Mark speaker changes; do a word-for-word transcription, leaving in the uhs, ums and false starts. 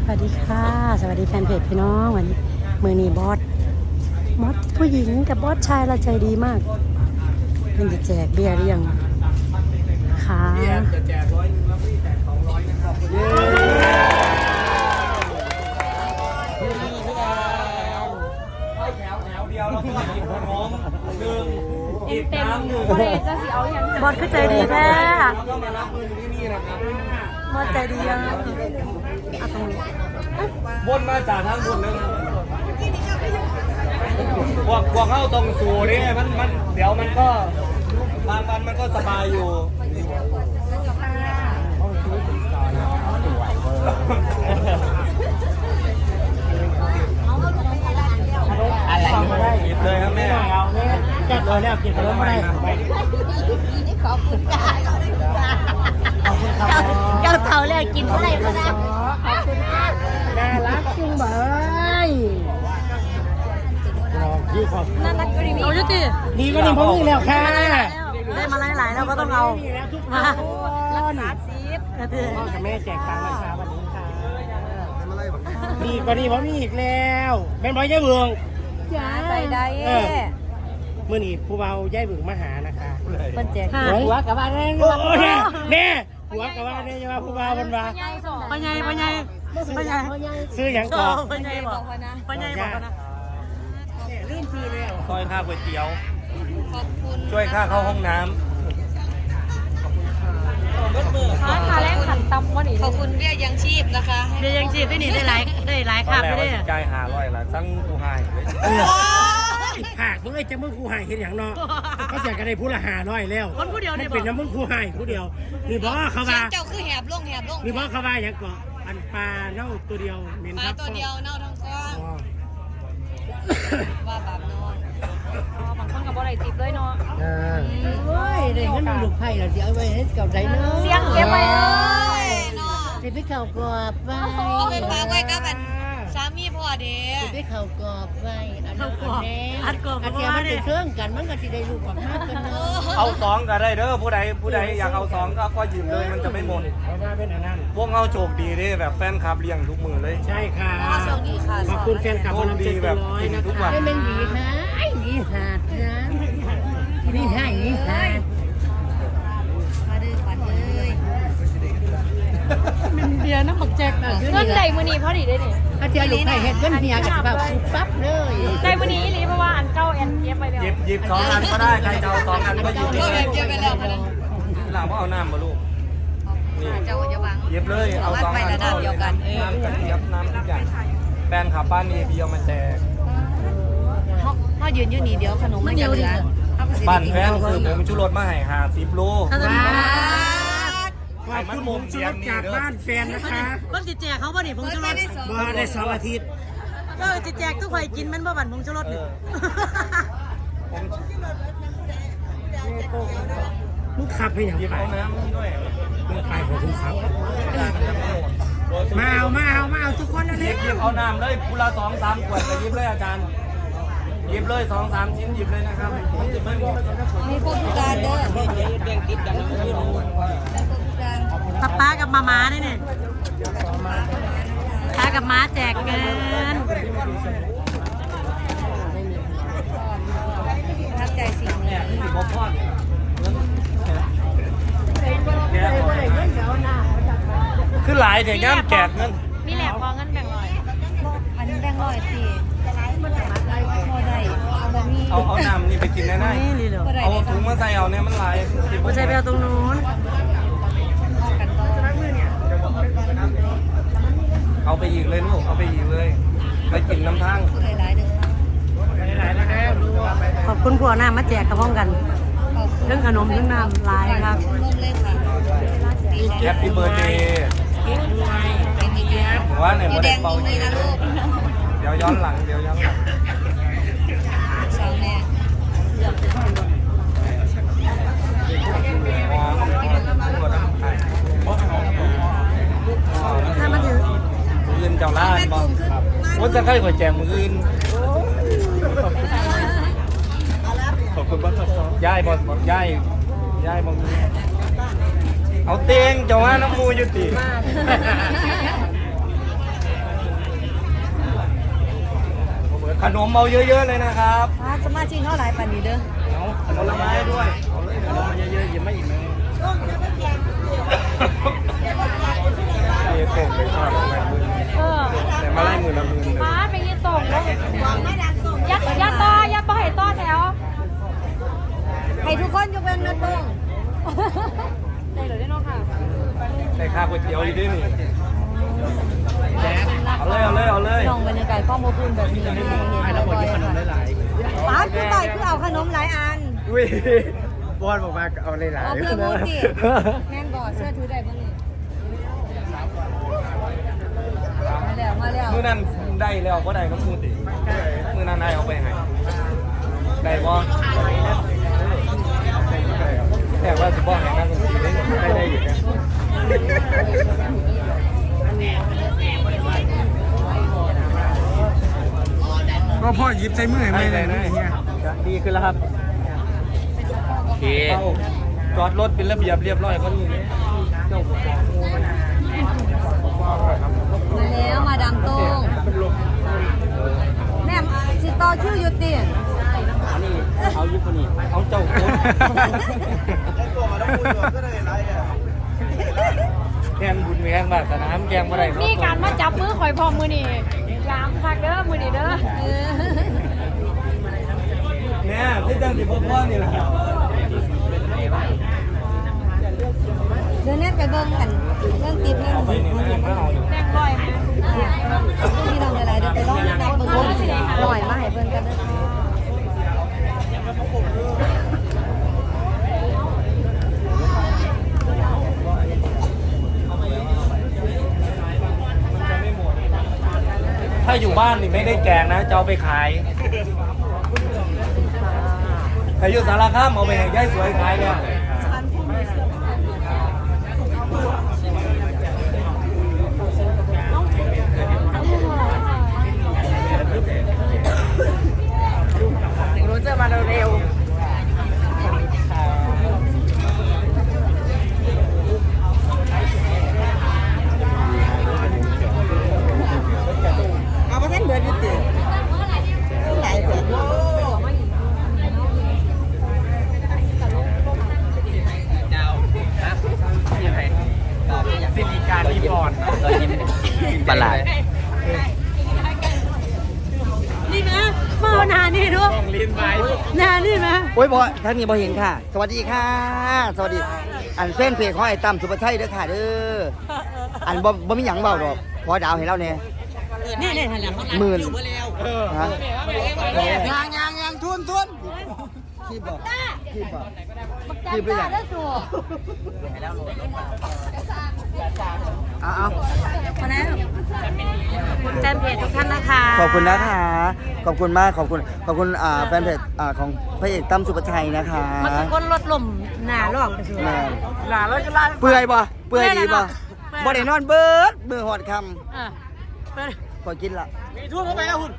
Speaker 1: วัสดีค่ะสวัสดีแฟนเพจพี่น้องวันนี้มือนีบอสบอสผู้หญิงกับบอสชายเราใจดีมากมันจะแจกเบียร์หรือยังค่ะ
Speaker 2: จะแจกร้อยนึงแล้วพี่แจกสองร้อยนะครับเย้ให้แถวแถวเดียวแล้วก็หยิบขนมหนึ่งหยิบน้ำหนึ่ง
Speaker 1: บอสคือใจดีแท้
Speaker 2: แล้วก็มารับเงินที่นี่นะครับ
Speaker 1: บอสใจดียังเอาตรงนี้
Speaker 2: บนมาจากทางบนเลยพวกพวกเข้าตรงสู่นี่มันมันเดี๋ยวมันก็บางวันมันก็สบายอยู่อะไรหยิบเลยครับแม่จับเลยแล้วกินขนมอะไร
Speaker 3: ขอบคุณค่ะเจ้าเท่าเลยกินอะไรก็ได้ขอบคุณค่ะ
Speaker 1: น่ารักจุงเบย
Speaker 3: น่ารักก็ดีมี
Speaker 1: เอาจุติ
Speaker 4: ดีก็ดีเพราะมีแล้วค่ะ
Speaker 1: ได้มาหลายๆแล้วก็ต้องเอามา
Speaker 3: รักษาซีฟ
Speaker 4: พ่อกับแม่แจกตังค์มาเช้าวันนี้ค่ะดีก็ดีเพราะมีอีกแล้วเป็นบอยย่ายเบือง
Speaker 3: ใส่ได้
Speaker 4: เมื่อนี้ผู้เบาย่ายเบืองมาหานะคะ
Speaker 3: คนแจก
Speaker 4: หัวกับว่าแน่โอ้แน่แน่หัวกับว่าแน่จะมาผู้เบามันว่า
Speaker 1: ปัญญาปัญญาปัญญา
Speaker 4: ซื้ออย่างก่อน
Speaker 1: ปัญญาบอกปัญญาบอกนะ
Speaker 4: เรื่องทีแล้ว
Speaker 2: ซอยค่าก๋วยเตี๋ยว
Speaker 3: ขอบคุณ
Speaker 2: ช่วยค่าเข้าห้องน้
Speaker 3: ค่าค่าแรงขันตำวันนี้ขอบคุณเบี้ยยังชีพนะคะ
Speaker 1: เดี๋ยวยังจีบได้หนีได้หลายได้หลาย
Speaker 2: ำ
Speaker 1: ขับ
Speaker 2: แล้
Speaker 1: ไม่
Speaker 2: ว
Speaker 1: ได้
Speaker 2: ใจหาร้อยละสั่งกูให้
Speaker 4: หากมึงไอ้จะมึงผู้หายเห็นอย่างเนาะก็เสียกันได้ผู้ละหาน้อยแล้ว
Speaker 1: คนผู้เดียว
Speaker 4: มัน
Speaker 1: เนี่ยบ
Speaker 4: เป็
Speaker 1: อน ก
Speaker 4: น้ำมึงผู้หายผู้เดียวนี่บอกเขา
Speaker 3: เสีย
Speaker 4: ว่าง
Speaker 3: เจ้าคือแหบลงแหบลง
Speaker 4: นี่บอกเขาว่าอย่างก่ออันปลาเน่าตัวเดียวเหม็น
Speaker 3: ป
Speaker 4: ค
Speaker 3: ลา
Speaker 4: รับ
Speaker 3: ตัวเดียวเน่าทั้งก้อน
Speaker 4: อ๋อ
Speaker 3: ว่าบาปนอนบางคนกับบ่ได้ติดเลยเนาะ
Speaker 4: อ่า
Speaker 5: โอ้ยได้เงินลูกไผ่ละสิเอาไว้ให้เก่าใจเนาะ
Speaker 3: เสียงเก็บไว้เลยเนาะ
Speaker 5: สิไปเข้ากรอบไว้
Speaker 3: เอาไปฝากไว้กับอันสามีพ่อเด้
Speaker 5: สิไปเข้ากรอบไว้อันนั้น
Speaker 1: เข้ากรอบ
Speaker 5: แน่
Speaker 1: อัดกรอบ
Speaker 5: อันเดียวมันเป็นเครื่องกันมันก็สิได้ลูกออกมากันเนาะ
Speaker 2: เอาสองก็ได้เด้อผู้ใดผู้ใดอยากเอาสองก็ก็หยิบเลยมันจะไม่หมด
Speaker 4: เพราะว่าเป็นอันนั้น
Speaker 2: พวกเขาโชคดีเด้แบบแฟนคลับเลี้ยงทุกมือเลย
Speaker 4: ใช่ค่ะ
Speaker 3: โชคดีค่ะ
Speaker 4: ขอบคุณแฟนคลับ
Speaker 2: โช
Speaker 4: คน
Speaker 2: ค
Speaker 4: ละ
Speaker 2: ดี
Speaker 4: เจ็ด
Speaker 2: แบบ
Speaker 4: ร้อย
Speaker 2: กิน
Speaker 4: นะ
Speaker 2: ทุก
Speaker 4: คะ
Speaker 2: วัน
Speaker 5: ให้มันหวีหายหวีหาดนะหวีหายหวีหาด
Speaker 3: มาดื้อปัดเลย
Speaker 1: มันเบียร์น้ำหมักแจกนะ
Speaker 3: เงินใดมื้อนี้พอดีได้นี่
Speaker 5: อาเทียลูกไผ่เฮ็ดเงินเมียกับแบบปุ๊บปั๊บเลย
Speaker 3: ใดมื้อนี้อีหลีเพราะว่าอันเก่าแอนเก็บไปแล้ว
Speaker 2: หยิบหยิบสองอันก็ได้ใครจะเอาสองอันก็หยิบ
Speaker 3: เก็บ
Speaker 2: เลย
Speaker 3: เก็บไปแล้วมื้อนี้
Speaker 2: หลังว่าเอาน้ำมาลูกนี่
Speaker 3: เจ้าอย่าบัง
Speaker 2: หยิบเลยเอาสองอัน
Speaker 3: วัดไประดับเดียวกัน
Speaker 2: น้ำกระเทียมน้ำทุกอย่างแฟนขับบ้านเอบีเอามาแจก
Speaker 3: เฮาเฮายืนอยู่นี่เดี๋ยวขนมมันจะเหลือ
Speaker 2: บ้านแฟนซื้อผมชูรสมาให้หาสิบโล
Speaker 1: ถ้าจะมี
Speaker 4: ขอบคุณผมชุดจากบ้านแฟนนะคะ
Speaker 1: คนจิแจกเขาบ่นี่ผงชูรส
Speaker 4: มาได้สองอาทิตย์
Speaker 1: ก็จิแจกทุกคนกินมันบ่บั่นผงชูรสนี่
Speaker 2: ผม
Speaker 4: มึงขับไปอย่าง
Speaker 2: หยิบ
Speaker 4: ไร
Speaker 2: เอาน้ำนี่ด้วย
Speaker 4: มึงไปของคุณครับมาเอามาเอามาเอาทุกคนนะ
Speaker 2: หยิ
Speaker 4: เนี่
Speaker 2: บหยิบเอาน้ำเลยพุละสองสามขวดไปหยิบเลยอาจารย์หยิบเลยสองสามชิ้นหยิบเลยนะครับมันจะไม่หมด
Speaker 3: มีพวกทุกการเด้อ
Speaker 1: ป้าป้ากับมาม้าเนี่ยเนี่ยป้ากับม้าแจกเงิน
Speaker 3: ทับใจสิ่งนี้
Speaker 2: เนี่ยนี่สิบหกทอดขึ้นหลายเดี๋ยวย่ำแจกเงิน
Speaker 3: มีแหลกพอเงินแบ่งร้อยอันนี้แบ่งร้อยสิพอได้บ่มี
Speaker 2: เอาเอาน้ำนี่ไปกินแน่
Speaker 1: นี่นี่เดี๋ยว
Speaker 2: ๆเอาถุงมาใส่เอาเนี่ยมันหลาย
Speaker 1: ผู้ชายไปเอาตรงนู้น
Speaker 3: กันต่อ
Speaker 2: เอาไปอีกเลยลูกเอาไปอีกเลยไปกินน้ำทั้ง
Speaker 3: หลายๆเด้อ
Speaker 4: หลายๆแล้ว
Speaker 1: ขอบคุณผัวหน้ามาแจกกับพร้อมกัน
Speaker 3: ขอบคุณ
Speaker 1: เรื่องขนมเรื่องน้ำลายครับ
Speaker 3: ลงเลยค่ะดีใจ
Speaker 2: แฮปปี้เบิร์ดเดย์
Speaker 3: เป็นดีใจ
Speaker 2: ผมว่าเนี่ย
Speaker 3: อยู่
Speaker 2: โม
Speaker 3: แด
Speaker 2: เดล
Speaker 3: ง
Speaker 2: เป่า
Speaker 3: ตรง
Speaker 2: เย
Speaker 3: นี้นะลูก
Speaker 2: เดี๋ยวย้อนหลังเดี๋ยวย้อนหลัง
Speaker 3: สาวแม่
Speaker 2: อ๋อตัวน้ำไข่
Speaker 1: ถ้ามันถือ
Speaker 2: มืออื่นเจ้าล่าบอกว่าจะใกล้กว่าแจงมืออื่นขอบคุณบ้านย่ายบอสย่ายย่ายบอมีเอาเตียงเจ้าว่าน้ำมูยุติขนมเอาเยอะๆเลยนะครับ
Speaker 3: อ่าสมาชิกเท่าไหร่ปานนี้เด้อ
Speaker 2: เอาผลไม้ด้วยเอาเลยขนมมาเยอะๆหยิบมาอีกนะเอโป่งเลยชอบอะไรมือ
Speaker 6: เออ
Speaker 2: แต่มาไล่มือละมือเลย
Speaker 6: มาไปยี่ตรงแล้วยัดยัดต่อยัดต่อให้ต่อแถว
Speaker 3: ให้ทุกคนยกเว้นเนื้อตรง
Speaker 6: ได้เลยได้เนาะค่ะ
Speaker 2: ได้ค่าก๋วยเตี๋ยวอีกด้วยนี่เอาเลยเอาเลยเอาเลย
Speaker 3: น้องบรรยากาศข้อมูลคุณแบบนี้ให้เห็น
Speaker 4: ให้เราหมด
Speaker 3: บ่อย
Speaker 4: ที่ขนม
Speaker 3: ๆ
Speaker 4: ห
Speaker 3: ค่ะ
Speaker 4: ลาย
Speaker 3: ป้าคือต่อยคือเอาขนมหลายอัน
Speaker 2: ๆอุ้ย
Speaker 4: ๆบอลบอกมาเอาหลาย
Speaker 3: เอา
Speaker 4: ๆ
Speaker 3: เพื่อมูติแม่นบ่เสื้อถือได้บ่นี่มาแล้วมาแล้ว
Speaker 2: มือนั้นได้แล้วก็ได้ก็พูดดิมือนั้นได้เอาไปให้ได้บ่แต่ว่าสิบ่ให้นั่งได้ได้อยู่นะ
Speaker 4: ก็พ่อยิบใส่มือให้ไม่เลยนะเนี่ย
Speaker 2: ดีขึ้นแล้วครับโอเคจอดรถเป็นระเบียบเรียบร้อยก็นี่เจ้า
Speaker 3: มาแล้วมาดามตรงแม่สิต่อคิวอยู่ติ
Speaker 2: อันนี้เอายุคนนี้เอาเจ้าโค้ดแกงบุญแกงบาสนามแกงอะไร
Speaker 6: มีการมาจับมือข่อยพร้อมมือนี่ยามคักเด้อมือนี่เด้อ
Speaker 3: เออ
Speaker 2: เนี่ยพี่จังสิพ่อพ่อนี่แหละ
Speaker 3: เดินเน็ตไปเบิ่งกันเรื่องติดเรื่อง
Speaker 2: ไปนี่ไม่เอาอยู่
Speaker 6: แดงลอยไหม
Speaker 3: พี่น้องอะไรเดี๋ยวไปลองนับเบิ่งดูสิหน่อยมาให้เบิ่งกันเด้อค่ะ
Speaker 2: ถ้าอยู่บ้านนี่ไม่ได้แกงนะจะเอาไปขายถ้าอยู่สารคามเอาไปให้ยายสวยขายเนี่ย
Speaker 5: รู้จะมาเร็ว
Speaker 3: เอาไปเส้นเบิดอยู่ติไหนเบิด
Speaker 4: สิริการรีบอร์ด
Speaker 2: ประหลาด
Speaker 1: นี่นะมาเอาหนานี่ด้วย
Speaker 4: ต้องลิ้นไป
Speaker 1: หนานี่นะ
Speaker 7: โอ้ยบอท่านนี้บอเห็นค่ะ สวัสดีค่ะ สวัสดี อันเส้นเพจของไอ้ตั้มสุภชัยเด้อค่ะเด้ออันบ่บ่มีหยังเบาดอกขอดาวให้เราเนี่ย
Speaker 1: นี่นี่ทันแล้ว
Speaker 7: หมื่นฮะ
Speaker 3: ยางยางยางทุนทุน
Speaker 7: คีบบอกคีบบอก
Speaker 3: จับตาได้สู่
Speaker 7: เอาเอา
Speaker 3: มาแล้ว
Speaker 1: คุณแฟนเพจทุกท่านนะคะ
Speaker 7: ขอบคุณนะคะ ขอบคุณมาก ขอบคุณ ขอบคุณอ่าแฟนเพจอ่าของพระเอกตั้มสุภชัยนะคะ
Speaker 1: มันคือคนลดลมหนาล่องไปสู่
Speaker 7: แม่น
Speaker 4: หลานแล้วก็ไล่
Speaker 7: เปื่อยบ่เปื่อยดีบ่
Speaker 1: เปื่อย
Speaker 7: บ่ได้นอนเบิดมือหอดค
Speaker 1: เออเปิด
Speaker 7: ำพอกินละ
Speaker 4: มีทุ่นเข้าไปแล้วคุณ